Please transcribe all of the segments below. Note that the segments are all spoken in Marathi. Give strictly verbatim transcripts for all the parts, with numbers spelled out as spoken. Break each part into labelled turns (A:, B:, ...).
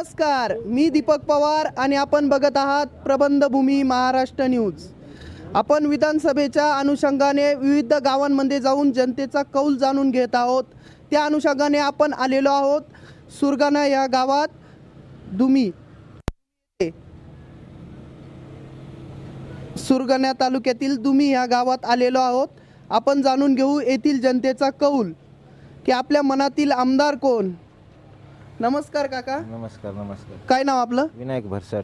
A: नमस्कार, मी दीपक पवार आणि आपण बघत आहात प्रबंधभूमी महाराष्ट्र न्यूज। आपण विधानसभेच्या अनुषंगाने विविध गावांमध्ये जाऊन जनतेचा कौल जाणून घेत आहोत। त्या अनुषंगाने आपण आलेलो आहोत सुरगाणा या गावात। दुमी सुरगाणा तालुक्यातील दुमी या गावात आलेलो आहोत। आपण जाणून घेऊ येथील जनतेचा कौल की आपल्या मनातील आमदार कोण। नमस्कार काका।
B: नमस्कार नमस्कार।
A: काय नाव आपलं?
B: विनायक भरसट।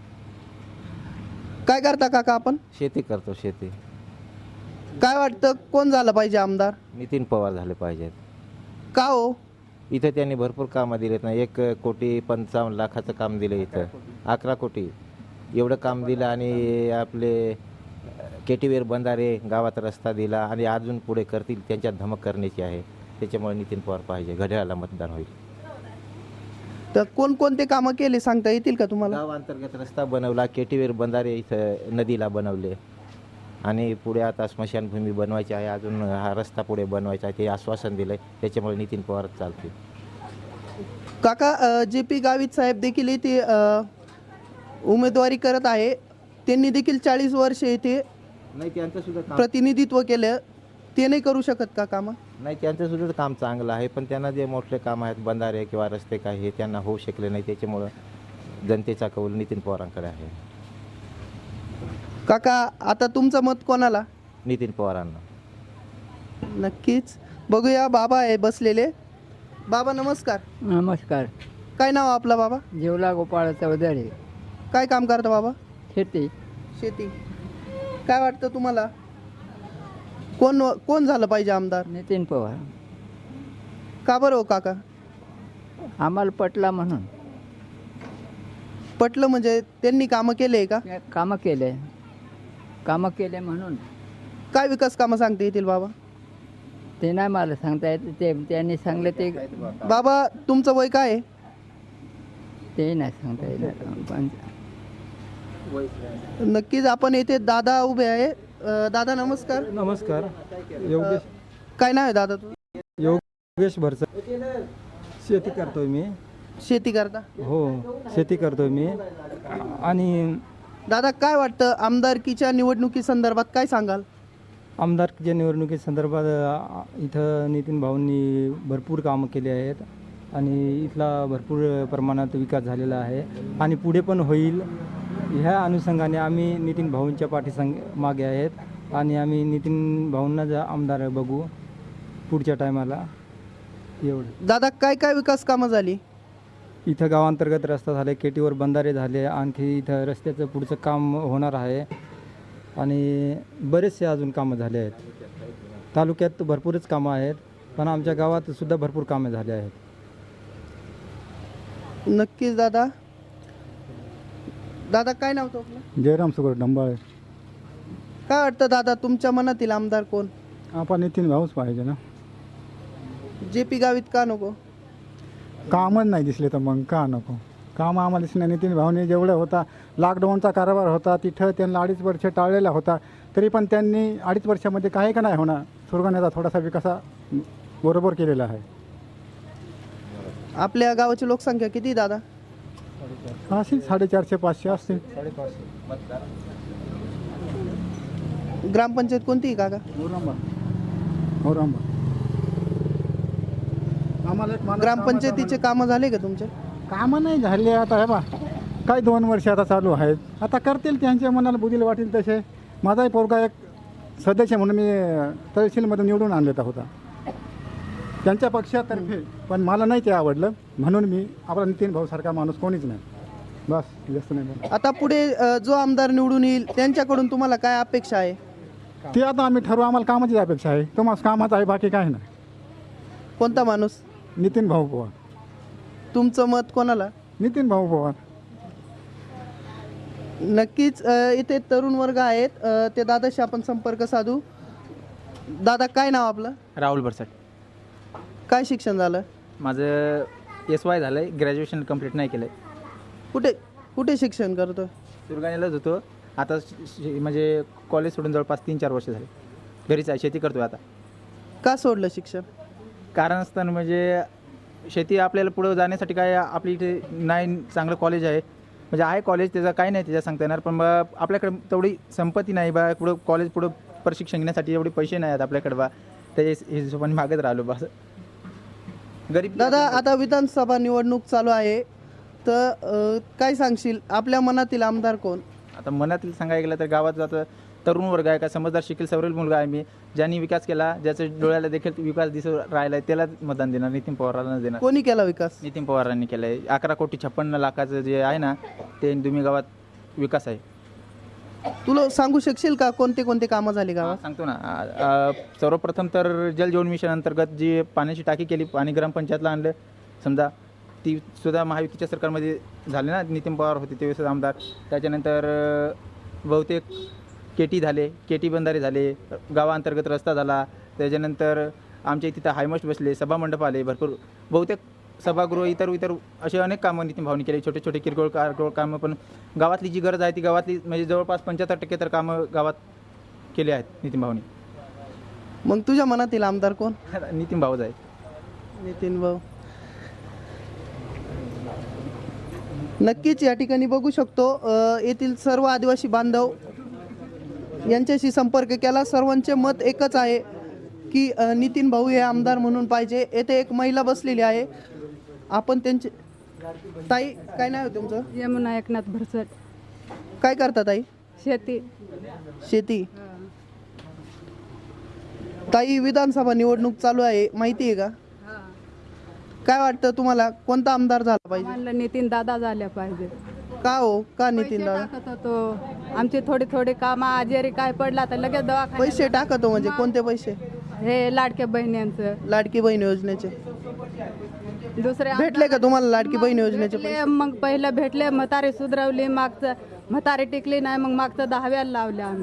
A: काय करता काका आपण?
B: शेती करतो शेती।
A: काय वाटतं कोण झालं पाहिजे आमदार?
B: नितीन पवार झाले पाहिजेत।
A: का हो?
B: इथे त्यांनी भरपूर कामं दिलेत ना। एक कोटी पंचावन्न लाखाचं काम दिलं, इथं अकरा कोटी एवढं काम दिलं आणि आपले केटीवेर बंधारे गावात रस्ता दिला आणि अजून पुढे करतील, त्यांच्यात धमक करण्याची आहे। त्याच्यामुळे नितीन पवार पाहिजे, घड्याळाला मतदान होईल।
A: तर कोणकोणते कामं केले सांगता येतील का तुम्हाला?
B: गाव अंतर्गत रस्ता बनवला, केटीवेर बंधारे इथं नदीला बनवले आणि पुढे आता स्मशानभूमी बनवायची आहे, अजून हा रस्ता पुढे बनवायचा आहे, ते आश्वासन दिलंय। त्याच्यामुळे नितीन पवार चालतील।
A: काका जे पी गावित साहेब देखील इथे उमेदवारी करत आहे, त्यांनी देखील चाळीस वर्ष इथे
B: नाही त्यांचं सुद्धा काम
A: प्रतिनिधित्व केलं, ते नाही करू शकत का कामं?
B: नाही त्यांचं सुद्धा काम चांगलं आहे, पण त्यांना जे मोठे काम आहेत बंधारे किंवा रस्ते काय हे त्यांना होऊ शकले नाही। त्याच्यामुळं जनतेचा कौल नितीन पवारांकडे आहे।
A: काका आता तुमचं मत कोणाला?
B: नितीन पवारांना।
A: नक्कीच बघूया। बाबा आहे बसलेले। बाबा नमस्कार।
C: नमस्कार।
A: काय नाव आपलं बाबा?
C: जेवला गोपाळ चौधरी।
A: काय काम करता बाबा?
C: शेती।
A: शेती। काय वाटतं तुम्हाला कोण कोण झालं पाहिजे आमदार?
C: नितीन पवार।
A: का बरं हो काका?
C: आम्हाला पटला म्हणून।
A: पटलं म्हणजे त्यांनी कामं केले का?
C: कामं केले कामं केले म्हणून।
A: काय विकास कामं सांगता येतील बाबा?
C: ते नाही मला सांगता येत, ते त्यांनी सांगले ते।
A: बाबा तुमचं वय काय आहे?
C: ते नाही सांगता येणार पण
A: नक्कीच आपण येथे दादा उभे आहे। अ, दादा नमस्कार।
D: नमस्कार। योगेश
A: काय नाव आहे दादा तुझं?
D: योगेश भरसट। शेती करतोय मी।
A: शेती करता?
D: हो शेती करतोय मी। आणि
A: दादा काय वाटतं आमदारकीच्या निवडणुकी संदर्भात काय सांगाल?
D: आमदारकीच्या निवडणुकीसंदर्भात अ, इथं नितीन भाऊंनी भरपूर कामं केली आहेत आणि इथला भरपूर प्रमाणात विकास झालेला आहे आणि पुढे पण होईल। ह्या अनुषंगाने आम्ही नितीन भाऊंच्या पाठीसंग मागे आहेत आणि आम्ही नितीन भाऊंना जा आमदार बघू पुढच्या टायमाला। एवढं
A: दादा काय काय विकास कामं झाली?
D: इथं गावांतर्गत रस्ता झाले, केटीवर बंधारे झाले, आणखी इथं रस्त्याचं पुढचं काम होणार आहे आणि बरेचसे अजून कामं झाले आहेत। तालुक्यात भरपूरच कामं आहेत, पण आमच्या गावात सुद्धा भरपूर कामे झाले आहेत।
A: नक्कीच दादा। दादा काय नाव होतं आपलं?
E: जयराम सुगड डंबाळे।
A: काय वाटतं दादा तुमच्या मनातील आमदार कोण?
E: आपण नितीन भाऊच पाहिजे ना।
A: जे पी गावित का नको?
E: कामच नाही दिसले तर मग का नको? काम आम्हाला दिसले। नितीन भाऊने जेवढं होता, लॉकडाऊनचा कारभार होता तिथं त्यांना अडीच वर्ष टाळलेला होता, तरी पण त्यांनी अडीच वर्षामध्ये काही का नाही होणार, सुरगाण्याचा थोडासा विकास बरोबर केलेला आहे।
A: आपल्या गावाची लोकसंख्या किती दादा?
E: असेल साडेचारशे पाचशे असतील।
A: ग्रामपंचायत कोणती आहे काका?
E: औरंगाबाद औरंगाबाद आम्हाला एक माणूस
A: ग्रामपंचायतीचे कामं झाले का तुमचे?
E: कामं नाही झाले। आता हे बा काही दोन वर्ष आता चालू आहेत, आता करतील त्यांच्या मनाला बुद्धीला वाटेल तसे। माझाही पोरगा एक सदस्य म्हणून मी तहसीलमधून निवडून आणलेला होता त्यांच्या पक्षातर्फे, पण मला नाही ते आवडलं म्हणून मी आपला नितीन भाऊ सारखा माणूस कोणीच नाही, बस जास्त नाही बोलत।
A: आता पुढे अ, जो आमदार निवडून येईल त्यांच्याकडून तुम्हाला काय अपेक्षा आहे?
E: ते आता आम्ही ठरवू, आम्हाला कामाचीच अपेक्षा आहे। तुम्हाला कामाचं आहे, बाकी काय नाही।
A: कोणता माणूस?
E: नितीन भाऊ पवार।
A: तुमचं मत कोणाला?
E: नितीन भाऊ पवार।
A: नक्कीच अ, इथे तरुण वर्ग आहेत, अ, ते दादाशी आपण संपर्क साधू। दादा काय नाव आपलं?
F: राहुल भरसट।
A: काय शिक्षण झालं?
F: माझं एस वाय झालं आहे, ग्रॅज्युएशन कंप्लीट नाही केलं आहे।
A: कुठे कुठे शिक्षण करतो?
F: सुरगाण्यालाच होतो आता, शि- म्हणजे कॉलेज सोडून जवळपास तीन चार वर्ष झाले घरीच आहे, शेती करतो आहे आता।
A: का सोडलं शिक्षण?
F: कारण असताना म्हणजे शेती आपल्याला पुढं जाण्यासाठी काय आपली इथे नाही चांगलं कॉलेज आहे, म्हणजे आहे कॉलेज, त्याचं काही नाही त्याच्या सांगता येणार, पण बा आपल्याकडे तेवढी संपत्ती नाही बा, पुढं कॉलेज पुढं प्रशिक्षण घेण्यासाठी एवढे पैसे नाही आहेत आपल्याकडे बा, त्याच्या हिशोबाने मागत राहिलो बा. गरीब
A: दादा आता विधानसभा निवडणूक चालू आहे, तर अ, काय सांगशील आपल्या मनातील आमदार कोण?
F: आता मनातील सांगायला गेलं तर गावात जातं तरुण वर्ग आहे का, समजदार शिकेल सवरेल मुलगा आहे मी, ज्यांनी विकास केला, ज्याचं डोळ्याला देखील विकास दिसू राहिला आहे, त्याला मतदान देणार, नितीन पवारांना देणार.
A: कोणी केला विकास?
F: नितीन पवारांनी केलं आहे. अकरा कोटी छप्पन्न लाखाचं जे आहे ना, ते दुमी गावात विकास आहे.
A: तुला सांगू शकशील का कोणते कोणते कामं झाली गावात?
F: सांगतो ना. आ- आ, सर्वप्रथम तर जल जीवन मिशन अंतर्गत जी पाण्याची टाकी केली, पाणी ग्रामपंचायतला आणलं समजा, ती सुद्धा महायुतीच्या सरकारमध्ये झाली ना, नितीन पवार होते तेव्हा आमदार. त्याच्यानंतर अ, बहुतेक केटी झाले, केटी बंधारे झाले, गावाअंतर्गत रस्ता झाला, त्याच्यानंतर आमच्या तिथं हायमस्ट बसले, सभामंडप आले, भरपूर बहुतेक सभागृह, इतर इतर असे अनेक कामं नितीन भाऊनी केले, छोटे छोटे किरकोळ कारकोळ कामं, पण गावातली जी गरज आहे ती गावातली म्हणजे जवळपास पंच्याहत्तर टक्के तर कामं गावात केले आहेत नितीन भाऊनी.
A: मग तुझ्या मनातील आमदार कोण?
F: नितीन भाऊच आहे.
A: नितीन भाऊ. नक्कीच या ठिकाणी बघू शकतो अ, येथील सर्व आदिवासी बांधव यांच्याशी संपर्क केला, सर्वांचे मत एकच आहे की अ, नितीन भाऊ हे आमदार म्हणून पाहिजे. येथे एक महिला बसलेली आहे, आपण त्यांचे. ताई काय नाव आहे तुमचं?
G: यमुना एकनाथ भरसट.
A: काय करता ताई?
G: शेती.
A: शेती. ताई विधानसभा निवडणूक चालू आहे, माहिती आहे का? काय वाटतं तुम्हाला कोणता आमदार झाला पाहिजे?
G: म्हणलं नितीन दादा झाल्या पाहिजे.
A: का हो, का नितीन
G: पैसे
A: दादा?
G: टाकत होतो आमची थोडी थोडी कामं, आजारी काय पडला तर लगेच दवाखान्यात.
A: पैसे टाकतो म्हणजे कोणते पैसे?
G: हे लाडक्या बहिण्यांचं.
A: लाडकी बहीण योजनेचे
G: दुसरे
A: भेटले का तुम्हाला लाडकी बहीण योजनेचे
G: भेटले,
A: पैसे?
G: मग पहिलं भेटले, म्हातारी सुधरवली, मागचं म्हातारी टिकली नाही, मग मागचं दहाव्याला लावले आम्ही.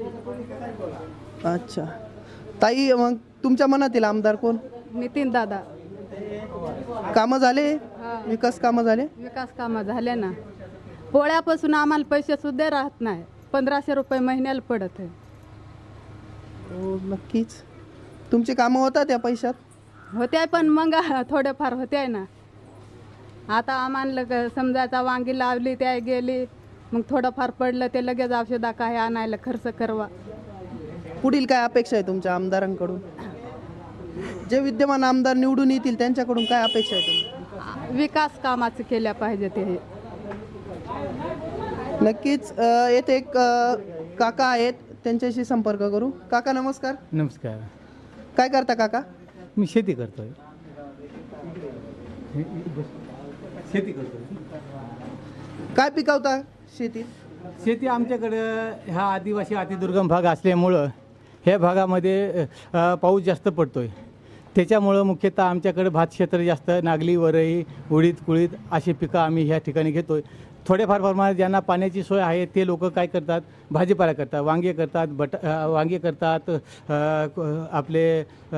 A: अच्छा ताई, मग तुमच्या मनातील आमदार कोण?
G: नितीन दादा.
A: कामं झाले,
G: हा.
A: विकास कामं झाले?
G: विकास कामं झाले ना. पोळ्यापासून आम्हाला पैसे सुद्धा राहत नाही, पंधराशे रुपये महिन्याला पडत आहे.
A: हो नक्कीच. तुमची कामं होतात त्या पैशात?
G: होत्या, पण मग थोडेफार होत्या ना. आता आम्हाला क- समजायचा वांगी लावली, त्या गेली, मग थोडंफार पडलं ते लगेच औषधा काय आणायला खर्च करवा.
A: पुढील काय अपेक्षा आहे तुमच्या आमदारांकडून? जे विद्यमान आमदार निवडून येतील त्यांच्याकडून काय अपेक्षा आहे तुमच्या?
G: विकास कामाचं केल्या पाहिजे ते.
A: नक्कीच. अ, येथे एक अ, काका आहेत, त्यांच्याशी संपर्क करू. काका नमस्कार.
D: नमस्कार.
A: काय करता काका?
D: मी शेती करतोय. शेती करतोय.
A: काय पिकवता शेतीत?
D: शेती आमच्याकडं हा आदिवासी अतिदुर्गम भाग असल्यामुळं ह्या भागामध्ये अ, पाऊस जास्त पडतोय, त्याच्यामुळं मुख्यतः आमच्याकडे भात क्षेत्र जास्त, नागली, वरई, उडीद, कुळीद अशी पिकं आम्ही ह्या ठिकाणी घेतोय. थोडेफार प्रमाणात ज्यांना पाण्याची सोय आहे ते लोक काय करतात, भाजीपाला करतात, वांगे करतात, बट अ, वांगे करतात, अ, क- आपले अ,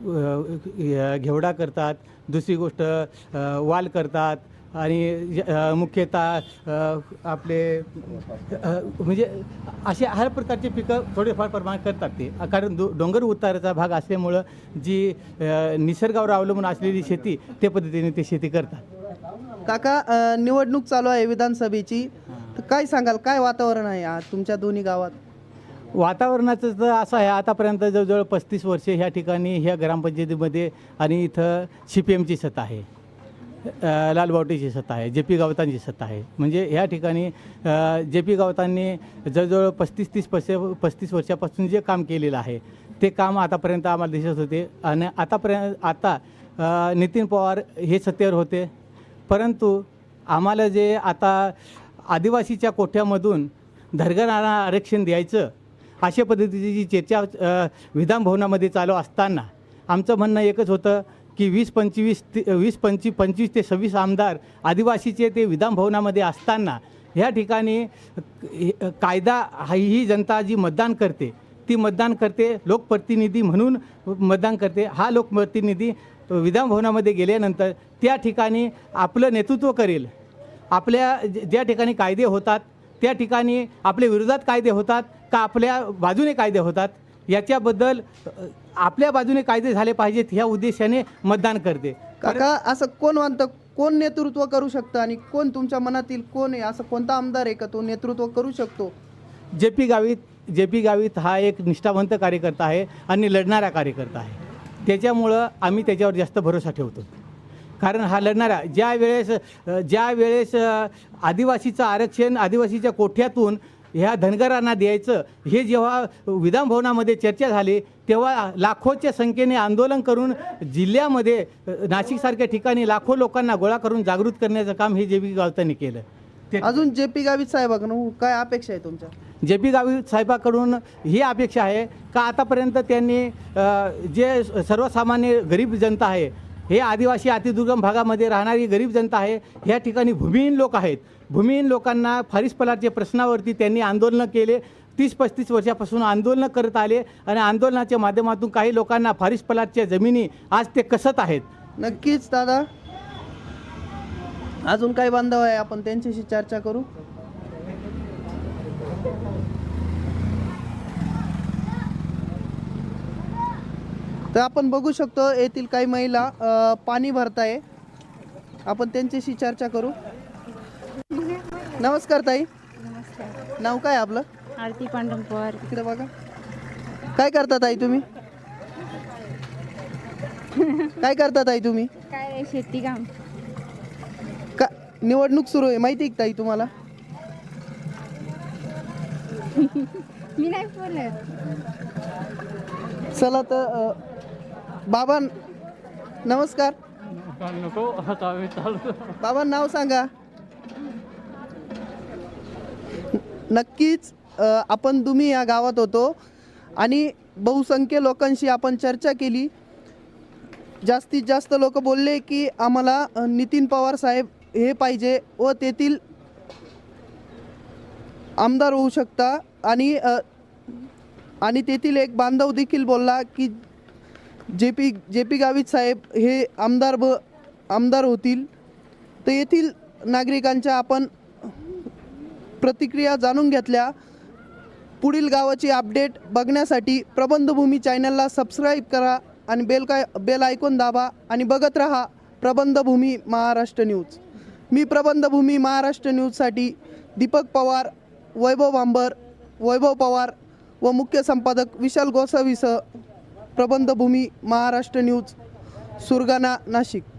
D: अ, घेवडा करतात, दुसरी गोष्ट अ, वाल करतात, आणि अ, मुख्यतः अ, आपले अ, म्हणजे असे हर प्रकारचे पिकं थोडेफार प्रमाणात करतात ते, कारण डो डोंगर उताराचा भाग असल्यामुळं जी अ, निसर्गावर अवलंबून असलेली शेती त्या पद्धतीने ते शेती करतात.
A: काका अ, निवडणूक चालू आहे विधानसभेची, तर काय सांगाल, काय वातावरण आहे आज तुमच्या दोन्ही गावात?
D: वातावरणाचं तर असं आहे, आतापर्यंत जवळजवळ पस्तीस वर्षे ह्या ठिकाणी ह्या ग्रामपंचायतीमध्ये आणि इथं सी पी एमची सत्ता आहे, अ, लालबावटीची सत्ता आहे, जे पी गावतांची सत्ता आहे. म्हणजे ह्या ठिकाणी जे पी गावतांनी जवळजवळ पस्तीस तीस वर्ष पस्तीस वर्षापासून जे काम केलेलं आहे ते काम आतापर्यंत आम्हाला दिसत होते. आणि आतापर्यंत आता अ, नितीन पवार हे सत्तेवर होते, परंतु आम्हाला जे आता आदिवासीच्या कोठ्यामधून धरगरांना आरक्षण द्यायचं अशा पद्धतीची जी चर्चा अ, विधानभवनामध्ये चालू असताना आमचं म्हणणं एकच होतं की वीस पंचवीस ते वीस पंचवी पंचवीस ते सव्वीस आमदार आदिवासीचे ते विधानभवनामध्ये असताना ह्या ठिकाणी कायदा हा ही जनता जी मतदान करते ती मतदान करते, लोकप्रतिनिधी म्हणून मतदान करते. हा लोकप्रतिनिधी विधानभवनामध्ये गेल्यानंतर त्या ठिकाणी आपलं नेतृत्व करेल. आपल्या ज्या ठिकाणी कायदे होतात त्या ठिकाणी आपल्या विरोधात कायदे होतात का आपल्या बाजूने कायदे होतात याच्याबद्दल आपल्या बाजूने कायदे झाले पाहिजेत ह्या उद्देशाने मतदान करते.
A: काका असं कोण म्हणतं, कोण नेतृत्व करू शकतं आणि कोण तुमच्या मनातील कोण आहे, असं कोणता आमदार आहे का तो नेतृत्व करू शकतो?
H: J P Gavit J P Gavit हा एक निष्ठावंत कार्यकर्ता आहे आणि लढणारा कार्यकर्ता आहे. त्याच्यामुळं आम्ही त्याच्यावर जास्त भरोसा ठेवतो. कारण हा लढणारा ज्या वेळेस ज्या वेळेस आदिवासीचं आरक्षण आदिवासीच्या कोठ्यातून ह्या धनगरांना द्यायचं हे जेव्हा विधानभवनामध्ये चर्चा झाली तेव्हा लाखोच्या संख्येने आंदोलन करून जिल्ह्यामध्ये नाशिकसारख्या ठिकाणी लाखो लोकांना गोळा करून जागृत करण्याचं काम हे जे पी गावितांनी केलं. ते
A: अजून जे पी गावित साहेबांकडून काय अपेक्षा आहे तुमच्या?
H: जे पी गावित साहेबाकडून ही अपेक्षा आहे का आतापर्यंत त्यांनी अ, जे सर्वसामान्य गरीब जनता आहे, हे आदिवासी अतिदुर्गम भागामध्ये राहणारी गरीब जनता आहे, ह्या ठिकाणी भूमिहीन लोक आहेत. भूमिहीन लोकांना फारीस पलाटच्या प्रश्नावरती त्यांनी आंदोलनं केले. तीस पस्तीस वर्षापासून आंदोलनं करत आले आणि आंदोलनाच्या माध्यमातून काही लोकांना फारीस पलाटच्या जमिनी आज ते कसत आहेत.
A: नक्कीच दादा, अजून काही बांधव आहे, आपण त्यांच्याशी चर्चा करू. तर आपण बघू शकतो येथील काही महिला अ, पाणी भरताय, आपण त्यांच्याशी चर्चा करू. नमस्कार ताई, नाव काय आपलं?
I: आरती पांडुरंग पवार.
A: इकडे बघा, काय करता ताई तुम्ही? काय करता ताई तुम्ही?
I: काय शेती काम.
A: का निवडणूक सुरू आहे माहिती आहे का ताई तुम्हाला?
I: मी नाही बोलत.
A: चला तर अ, बाबा नमस्कार. बाबा नाव सांगा. नक्कीच अ, आपण तुम्ही या गावात होतो आणि बहुसंख्य लोकांशी आपण चर्चा केली. जास्तीत जास्त लोक बोलले की आम्हाला अ, नितीन पवार साहेब हे पाहिजे व तेथील आमदार होऊ शकता. आणि अ, आणि तेथील एक बांधव देखील बोलला की J P J P Gavit साहेब हे आमदार ब आमदार होतील. तर येथील नागरिकांच्या आपण प्रतिक्रिया जाणून घेतल्या. पुढील गावाची अपडेट बघण्यासाठी प्रबंधभूमी चॅनलला सबस्क्राईब करा आणि बेल काय बेल आयकॉन दाबा आणि बघत राहा प्रबंधभूमी महाराष्ट्र न्यूज. मी प्रबंधभूमी महाराष्ट्र न्यूजसाठी दीपक पवार, वैभव भांबर, वैभव पवार व मुख्य संपादक विशाल गोसावीसह प्रबंधभूमी महाराष्ट्र न्यूज, सुरगाणा, नाशिक.